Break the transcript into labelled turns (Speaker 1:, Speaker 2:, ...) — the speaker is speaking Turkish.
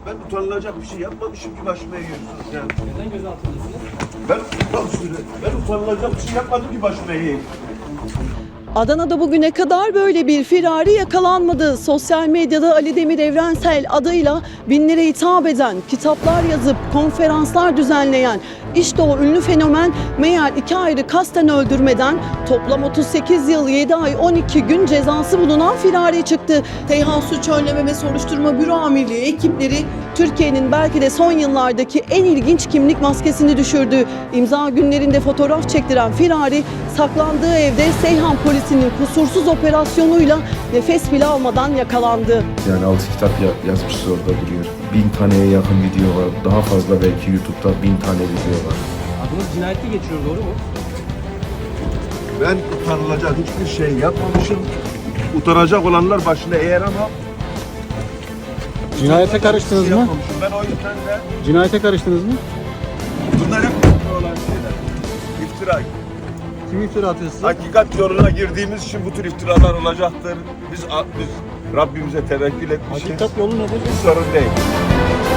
Speaker 1: Ben utanılacak bir şey yapmamışım ki başıma yiyorsunuz yani.
Speaker 2: Neden gözaltındasınız?
Speaker 1: Ben utanılacak bir şey yapmadım ki başıma yiyeyim.
Speaker 3: Adana'da bugüne kadar böyle bir firari yakalanmadı. Sosyal medyada Ali Demir Evrensel adıyla binlere hitap eden, kitaplar yazıp konferanslar düzenleyen işte o ünlü fenomen meğer 2 ayrı kasten öldürmeden toplam 38 yıl 7 ay 12 gün cezası bulunan firari çıktı. Teyhan Suç Önleme ve Soruşturma Büro Amirliği ekipleri Türkiye'nin belki de son yıllardaki en ilginç kimlik maskesini düşürdü. İmza günlerinde fotoğraf çektiren firari saklandığı evde Seyhan polisinin kusursuz operasyonuyla nefes bile almadan yakalandı.
Speaker 4: Yani 6 kitap yazmışız orada duruyor. 1000 taneye yakın video var. Daha fazla belki YouTube'da 1000 tane video var.
Speaker 2: Adınız cinayette geçiyor, doğru mu?
Speaker 1: Ben utanılacak hiçbir şey yapmamışım. Utanacak olanlar başına eğer ama
Speaker 5: Cinayete karıştınız mı?
Speaker 1: yapmamışım. Ben o yüzden de
Speaker 5: Cinayete karıştınız mı?
Speaker 1: bunlar hep iftira olan şeyler. İftira.
Speaker 5: Kim iftira atıyor size?
Speaker 1: Hakikat yoluna girdiğimiz için bu tür iftiralar olacaktır. Biz Rabbimize tevekkül etmişiz.
Speaker 5: Hakikat yolu nedir?
Speaker 1: Bir sorun değil.